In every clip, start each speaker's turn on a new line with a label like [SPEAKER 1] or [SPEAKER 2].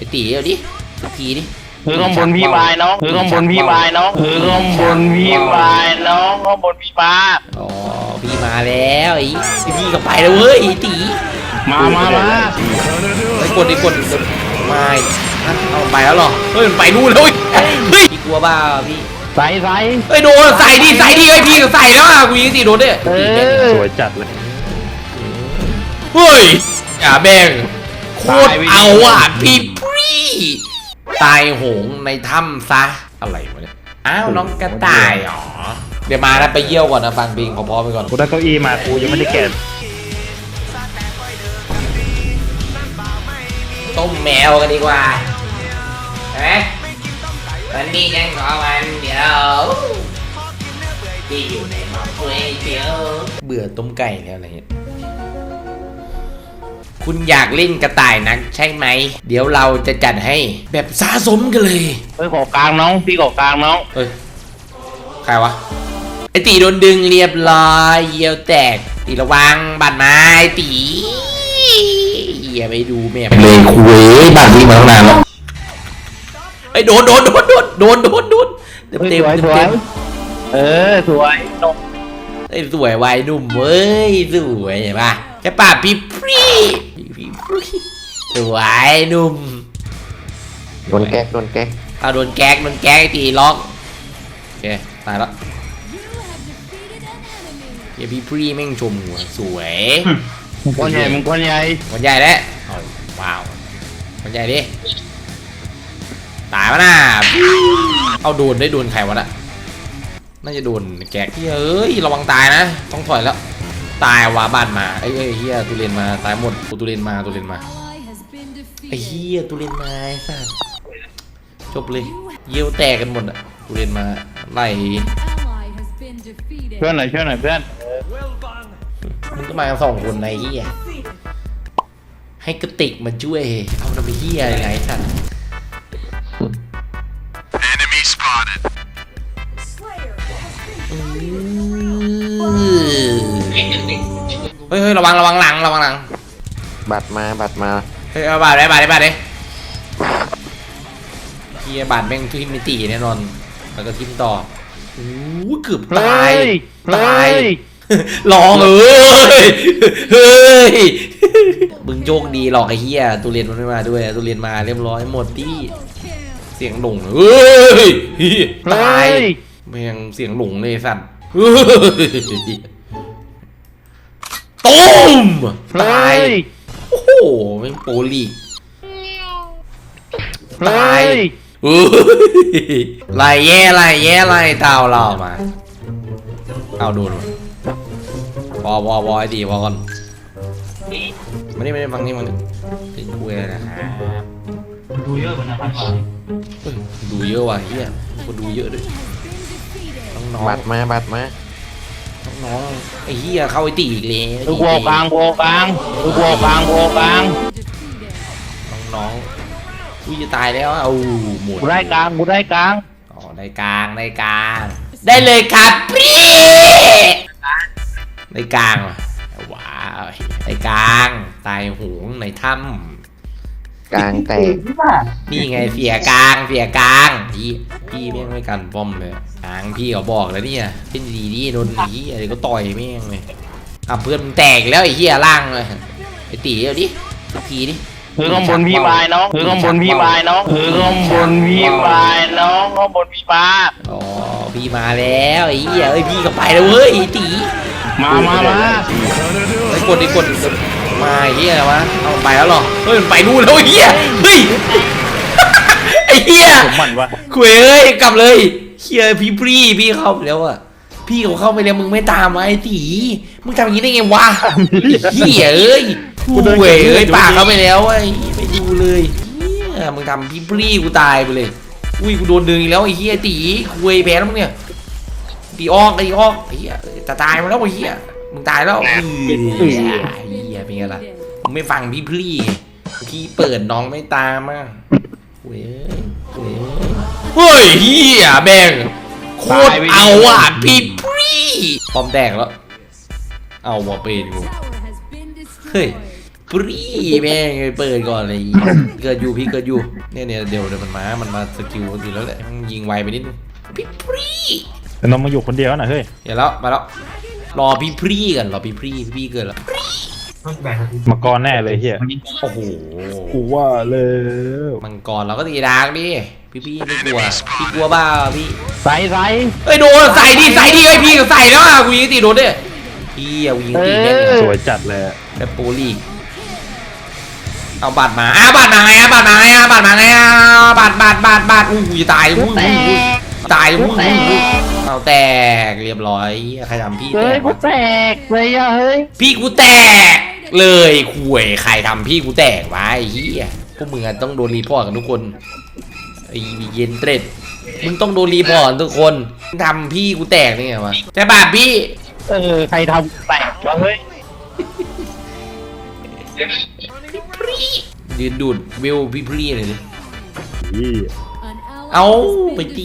[SPEAKER 1] ตีเดี๋ยวดิทีดิ
[SPEAKER 2] คือข้างบนพี่วายน้องคือข้างบนพี่วายน้องคือข้างบนพี่วายน้องข้างบนพี่ป้า
[SPEAKER 1] อ๋อพี่มาแล้วไอ้พี่ก็ไปแล้วเว้ยไอ้ตี
[SPEAKER 2] มา
[SPEAKER 1] ไอ้กดไม่เอาไปแล้วหรอเฮ้ยมันไปนู่นแล้วเฮ้ยพี่กลัวบ้าพี่
[SPEAKER 2] ใส่
[SPEAKER 1] เฮ้ยโดนใส่ดิไอ้พี่ก็ใส่แล้วอ่ะกูยิงตีโดนด้วย
[SPEAKER 2] สวยจัดเลย
[SPEAKER 1] เฮ้ยอย่าแบ่งโคตรเอาอ่ะพี่พรีตายโหงในถ้ำซะอะไรวะเนี่ยอ้าวน้องกระต่ายอ๋อเดี๋ยวมาแล้วไปเยี่ยวก่อนนะฟังเพลงขอพอไปก่อน
[SPEAKER 2] กูได้เก้าอี้มากูยังไม่ได้แกะ
[SPEAKER 1] ต้มแมวกันดีกว่าเห็นไหมวันนี้ยังขอวันเดียวที่อยู่ในหม้อก๋วยเตี๋ยวเบื่อต้มไก่แล้วอะไรเงี้ยคุณอยากเล่นกระต่ายนักใช่ไหมเดี๋ยวเราจะจัดให้แบบสะสมกันเลย
[SPEAKER 2] ขอกลางน้องพี่ขอกลางน้อง
[SPEAKER 1] ใครวะไอตีโดนดึงเรียบร้อยเยี่ยวแตกตีระวังบาดไม้ตีอย่าไปดูแม่เลยคุยบาดวิ่งมาตั้งนานแล้วไอโดนเต็ม
[SPEAKER 2] สวยนม
[SPEAKER 1] ไอสวยวัยหนุ่มเว้ยสวยเห็นปะแค่ป่าพี่พรีสวยหนุ่ม
[SPEAKER 2] โดนแก๊ก
[SPEAKER 1] เอาโดนแก๊กตีล็อกโอเคตายแล้วเดี๋ยวพี่พรีแม่งชมหัวสวย
[SPEAKER 2] มึงก้อนใหญ่
[SPEAKER 1] แล้วว้าวมันใหญ่ดิตายวะน่ะเอาโดนใครวะน่ะน่าจะโดนแก๊กเฮ้ยระวังตายนะต้องถอยแล้วตายวะบ้านมาไอ้เฮียตุเรนมาตายหมดตุเรนมาไอ้เฮียตุเรนมาสัสจบเลยเยี่ยวแตกกันหมดอ่ะตุเรนมาไล่
[SPEAKER 2] เพื่อนหน่อยเพื่อน
[SPEAKER 1] มึงก็มาสองคนในเฮียให้กระติกมาช่วยเอาทำไปเฮียยังไงสัสเฮ้ยระวังหลัง
[SPEAKER 2] บัดมา
[SPEAKER 1] เฮ้ยเอาบาดได้เฮียบาดแม่งทุกมิติแน่นอนแล้วก็ทิมต่อโอ้เกือบตายลองเฮ้ยมึงโชคดีหรอกไอ้เฮียตุเรียนมันไม่มาด้วยตุเรียนมาเรียบร้อยหมดที่เสียงหลงเฮ้ยตายแม่งเสียงหลงเลยสัตว์ตุ้มตายโอ้โหแม่งโปลีตายไล่แย่เต่าเรามาเอาดูพอไอ้ดีพอก่อนไม่ได้ฟังนี่มันเป็นคุยอะไรนะครับ
[SPEAKER 2] ดูเยอะกว่านะครับ
[SPEAKER 1] ดูเยอะว่ะเฮียคนดูเยอะด้วยน้อง
[SPEAKER 2] บัดมา
[SPEAKER 1] น้องไอ้เฮียเข้าไอ้ตีอีกเลย
[SPEAKER 2] ดูโบกลาง
[SPEAKER 1] น้องอุ้ยจะตายแล้วเอาหมด
[SPEAKER 2] กูได้กลาง
[SPEAKER 1] อ๋อได้กลางได้เลยครับพี่ได้กลางว้าวไอ้กลางตายหงในถ้ำ
[SPEAKER 2] กลางแตก
[SPEAKER 1] นี่ไงเสียกลางพี่แม่งไม่กันป้อมเลยกลางพี่เขาบอกแล้วเนี่ยเป็นดีโดนหนีอะไรก็ต่อยแม่งเลยเพื่อนแตกแล้วไอ้เหี้ยล่างเลยไอ้ตีเดี๋ยวดิทีดิ
[SPEAKER 2] คือข้างบนพี่วายน้องคือข้างบนพี่วายน้องข้างบนพี่ป้า
[SPEAKER 1] อ๋อพี่มาแล้วไอ้เหี้ยพี่ก็ไปแล้วเว้ยไอ้ตี
[SPEAKER 2] มา
[SPEAKER 1] ไอ้กดมาไอ้เหี้ยวะเอาไปแล้วหรอเฮ้ยมันไปนู่นแล้วไอ้เหี้ยเฮ้ยไอ้เหี้ย
[SPEAKER 2] มันวะ
[SPEAKER 1] คุยเอ้ยกลับเลยเหี้ยพี่เข้าไปแล้วอะพี่เขาเข้าไปแล้วมึงไม่ตามไอ้ตีมึงทำอย่างนี้ได้ไงวะเหี้ยเอ้ยกูเอ้ยปากเขาไปแล้วไอ้ไม่ดูเลยเนี่ยมึงทำพี่กูตายไปเลยอุ้ยกูโดนดึงอีกแล้วไอ้เหี้ยตีคุยแพ้แล้วมึงเนี่ยตีออกไอ้เหี้ยจะตายมาแล้วไอ้เหี้ยมึงตายแล้วเหี้ยเป็นไงล่ะมึงไม่ฟังพี่เปิดน้องไม่ตามอ่ะเฮ้ยเหี้ยแม่งโคตรเอาอ่ะพี่ปอมแตกแล้วเอาว่ะเป็นกูเฮ้ยปรีแม่งเปิดก่อนเลยเกิดอยู่พี่เกิดอยู่เนี่ยเดี๋ยวมันมาสกิลอยู่แล้วแหละยิงไวไปนิดนึงพี่ปรี
[SPEAKER 3] แต่น้องมาอยู่คนเดียวนะเฮ้ย
[SPEAKER 1] เดี๋ยวแล้วมาแล้วรอพี่พรีกันรอพี่พรีเกิดแล้ว
[SPEAKER 3] มังกรแน่เลยเฮีย
[SPEAKER 1] โอ้โห
[SPEAKER 3] กูว่าเลย
[SPEAKER 1] มังกรเราก็ตีดาร์กดิพี่ไม่กลัวพี่กลัวบ้าพี่
[SPEAKER 2] ใส่
[SPEAKER 1] เอ้ยโดนใส่ดิไอ้พี่ก็ใส่แล้วอ่ะกูยิงตีโดนดิพี่เอายิงตีแม่ง
[SPEAKER 3] สวยจัดเลย
[SPEAKER 1] แบบโปรลีกเอาบัตรมาบัตรมาไงบัตรมาไงบัตรอู้ยตายตายเอาแตกเรียบร้อยใครทำพี่แต
[SPEAKER 2] เฮ้ย
[SPEAKER 1] ก
[SPEAKER 2] กูแตกเลยอะเฮ้ย
[SPEAKER 1] พี่กูแตกเลยคุยใครทำพี่กูแตกวะไอ้เหี้ยพวกมึงต้องโดนรีพอร์ตกันทุกคนไอ้เย็นเตร็ดมึงต้องโดนรีพอร์ตทุกคนทำพี่กูแตกนี่ไงวะใช่ป่ะพี่
[SPEAKER 2] ใครทำแตกวะเฮ้ย
[SPEAKER 1] ยืนดูดวิวพี่พรีเลยดิ
[SPEAKER 3] พี่
[SPEAKER 1] เอาไปตี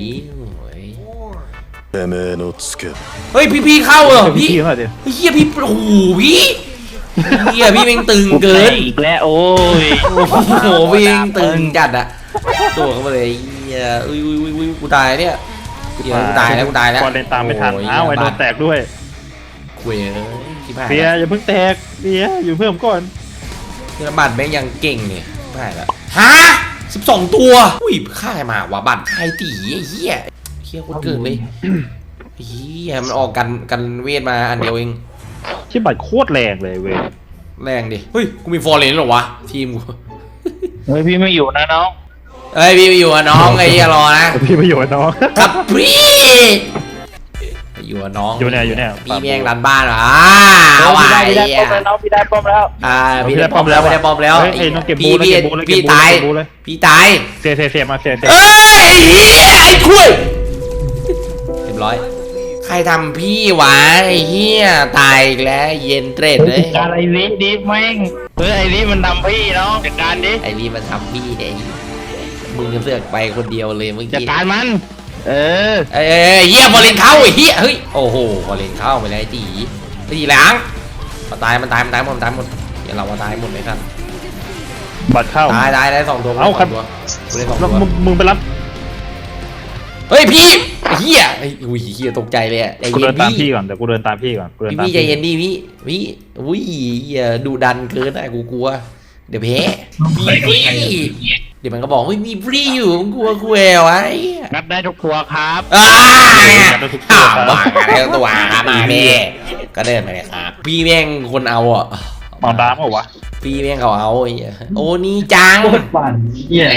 [SPEAKER 1] เฮ้ยพี่เข้าเหรอพี่
[SPEAKER 3] พี่มาดิ
[SPEAKER 1] เฮียพี่โอ้โหพี่เฮียพี่แม่งตึงเกิน
[SPEAKER 2] อีกแล้วโอ้ย
[SPEAKER 1] โอ้โหพี่แม่งตึงจัดอะตัวเข้ามาเลยเฮียอุ้ยกูตายเนี่ยเฮียกูตายแล้ว
[SPEAKER 3] ก่อนเล่นตามไม่ทันอ้าวไอ้โดนแตกด้วย
[SPEAKER 1] คุยที่ผ่าน
[SPEAKER 3] เบียร์อย่าเพิ่งแตกเบียร์อยู่เพิ่มก่อน
[SPEAKER 1] เฮียบัตรแม่งยังเก่งเนี่ยไม่ได้แล้วฮะ12 ตัวอุ้ยค่ายมาวะบัตรใครตีไอ้เฮียเฮียคนเกินเลยเฮียมันออกกันเวทมาอันเดียวเอง
[SPEAKER 3] ที่บัตรโคตรแรงเลยเว้ย
[SPEAKER 1] แรงดิเฮ้ยกูมีฟอร์เรนหรอวะทีมกู
[SPEAKER 2] เฮ้ยพี่ไม่อยู่นะน้อง
[SPEAKER 1] เอ้ยพี่ไปอยู่กับน้องไอ้เหี้ยรอนะ
[SPEAKER 3] พี่ประโยชน์น้อง
[SPEAKER 1] ครับพี่ไปอยู่กับน้อง
[SPEAKER 3] อยู่เนี่ย
[SPEAKER 1] พี่แม่งรันบ้านเหรอเอาไว้
[SPEAKER 2] พี่ได้ป้อมแล้วน้องพี่ได้ป้อมแล้ว
[SPEAKER 1] พี่ได้ป้อมแล้ว
[SPEAKER 3] เฮ้ยน้องเก็บบู
[SPEAKER 1] พี่
[SPEAKER 3] เลยเก็บบูเลย
[SPEAKER 1] พี่ตาย
[SPEAKER 3] บูเลย
[SPEAKER 1] พี่ตาย
[SPEAKER 3] เสียมาเสีย
[SPEAKER 1] เอ้ยไอ้เหี้ยไอ้คุยเรียบร้อยใครทำพี่วะไอ้เหี้ยตายอีกแล้วเย็นเตร็ดเลย
[SPEAKER 2] การไอ้ลิดิแม่งเฮ้ยไอ้ลิมันทำพี่น้องจัดการดิ
[SPEAKER 1] ไอ้นี่มันทำพี่ไอ้มึงจะเสือกไปคนเดียวเลยเมื่อ
[SPEAKER 2] จัด
[SPEAKER 1] กี้
[SPEAKER 2] การมัน
[SPEAKER 1] เหี้ยบอลเลนเข้าไอ้เหี้ยเฮ้ยโอ้โหบอลเลนเข้าไปแล้วไอ้ตีหลังมันตายหมดเดี๋ยวเราตายหมดเลยครับ
[SPEAKER 3] บัตรเข้า
[SPEAKER 1] ตายได้2 ตัว
[SPEAKER 3] เอาครับ
[SPEAKER 1] กูได้2
[SPEAKER 3] แล้ว
[SPEAKER 1] ตัว
[SPEAKER 3] มึงไปรับ
[SPEAKER 1] เฮ้ยพี่เหี้ยอุ้ยเหี้ยตกใจเลยอะใจ
[SPEAKER 3] กู
[SPEAKER 1] เย็
[SPEAKER 3] เดิ
[SPEAKER 1] น
[SPEAKER 3] นตาม
[SPEAKER 1] พี่
[SPEAKER 3] พี่ก่อนเดี๋ยวกูเดินตามพี่ก่อนกูเดินตาม
[SPEAKER 1] พี่ใจเย็นดิพี่อุ้ยเหี้ยดูดันเกินอะกูกลัวเดี๋ยวแพ้พี่เดี๋ยวมันก็บอกเฮ้ยมีฟรีอยู่มึงกลัวกูแอวไอ้
[SPEAKER 2] งัดได้ทุกตัวครับ
[SPEAKER 1] บ้าอะไรตัวมาแม่ก็เดินไปเลยครับพี่แม่งคนเอาอ่ะ
[SPEAKER 3] มองดามเหรอวะ
[SPEAKER 1] พี่แม่งเขาเอาไอ้เหี้ยโอ้นี่จัง
[SPEAKER 2] ปั่นเหี้ย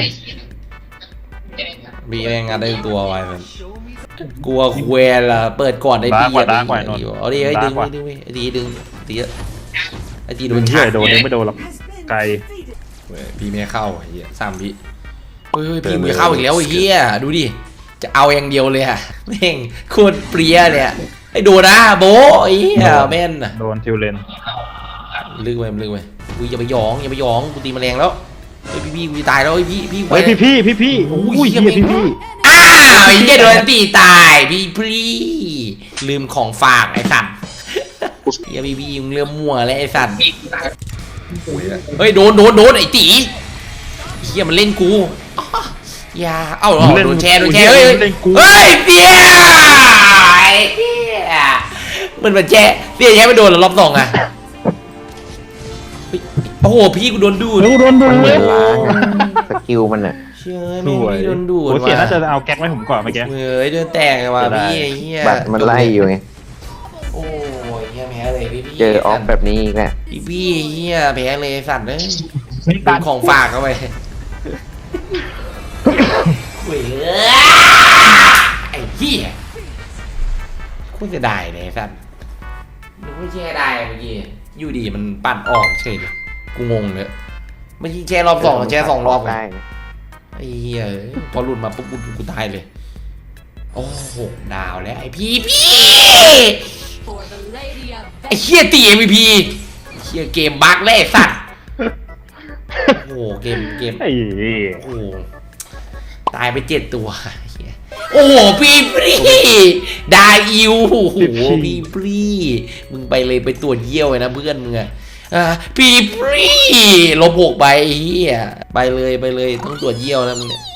[SPEAKER 1] พี่แม่งได้ตัวไว้มันกลัวควยล่ะเปิดก่อนได้พี่เอาดิไอ้ดึงไอ้ดึงตีเยอะไอ้ตีโด
[SPEAKER 3] โด
[SPEAKER 1] น
[SPEAKER 3] น
[SPEAKER 1] ฉา
[SPEAKER 3] เฉ
[SPEAKER 1] ก
[SPEAKER 3] ยโดนเองไม่โดนหรอกไกล
[SPEAKER 1] พี่ไม่เข้าไอ้เหี้ย3 วิเฮ้ยพี่ไม่เข้าอีกแล้วไอ้เหี้ยดูดิจะเอาอย่างเดียวเลยอะแม่งโคตรเปรี้ยเลยไอ้ดูนะโบไอ้เหี้ยแม่น
[SPEAKER 3] โดนทิวเลน
[SPEAKER 1] ลึกไปกูอย่าไปหยองกูตีแมลงแล้วเฮ้ยพี่กูตายแล้วพี่
[SPEAKER 3] เฮ้ยพี่โอ้ยเฮียพี่
[SPEAKER 1] อ้าวไอ้เหี้ยโดนตีตายพี่ลืมของฝากไอ้สัตว์เฮียพี่มึงเริ่มมั่วแล้วไอ้สัตว์เฮ้ยโดนไอ้ตีเฮียมันเล่นกูอย่าเอ้าโดนแชร์เฮ้ยเสียมันแชร์เสียแชร์ไม่โดนหรอรอบ 2อ่ะโอ้โหพี่กูโดนดูด
[SPEAKER 3] โดน
[SPEAKER 4] มันเหมือนล้างสกิลมันอะ
[SPEAKER 1] เชื่อแม่งพี่โดนดูด
[SPEAKER 3] โอ้เสียน่าจะเอาแก๊กไว้ผมก่อนเมื่อกี้
[SPEAKER 1] เฮ้ยเดินแตกว่ะพี่ไอ้เหี้ย
[SPEAKER 4] บัตรมันไล่อยู่ไง
[SPEAKER 1] โอ้ยเหี้ยแพ้เลยพี่
[SPEAKER 4] เจอออฟแบบนี้อีกแหละ
[SPEAKER 1] พี่เหี้ยแพ้เลยสัตว์เลยดูของฝากเข้าไปคุยไอ้เหี้ยคุณจะได้เลยสัตว์นึกว่าแช่ได้เมื่อกี้อยู่ดีมันปั่นออกเฉยเลยกูงงเลยเมื่อกี้แช่รอบ 2แช่2 รอบ
[SPEAKER 4] ได้นะ
[SPEAKER 1] ไอ้เหี้ยพอหลุดมาปุ๊บกูตายเลยโอ้โหดาวแล้วไอ้พี่ไอ้เหี้ยตี MVP เหี้ยเกมบั๊กแล้วไอ้สัตว์โอ้โหเกม
[SPEAKER 3] ไอ้
[SPEAKER 1] โอ้โหตายไป7 ตัวเหี้ยโอ้โหพี่ปรีได้อิวโอ้โหพี่ปรีมึงไปเลยไปตรวจเยี่ยวเลยนะเพื่อนมึงอะพี่ปรีลบ6ใบเฮียไปเลยต้องตรวจเยี่ยวแล้วมึงเนี่ย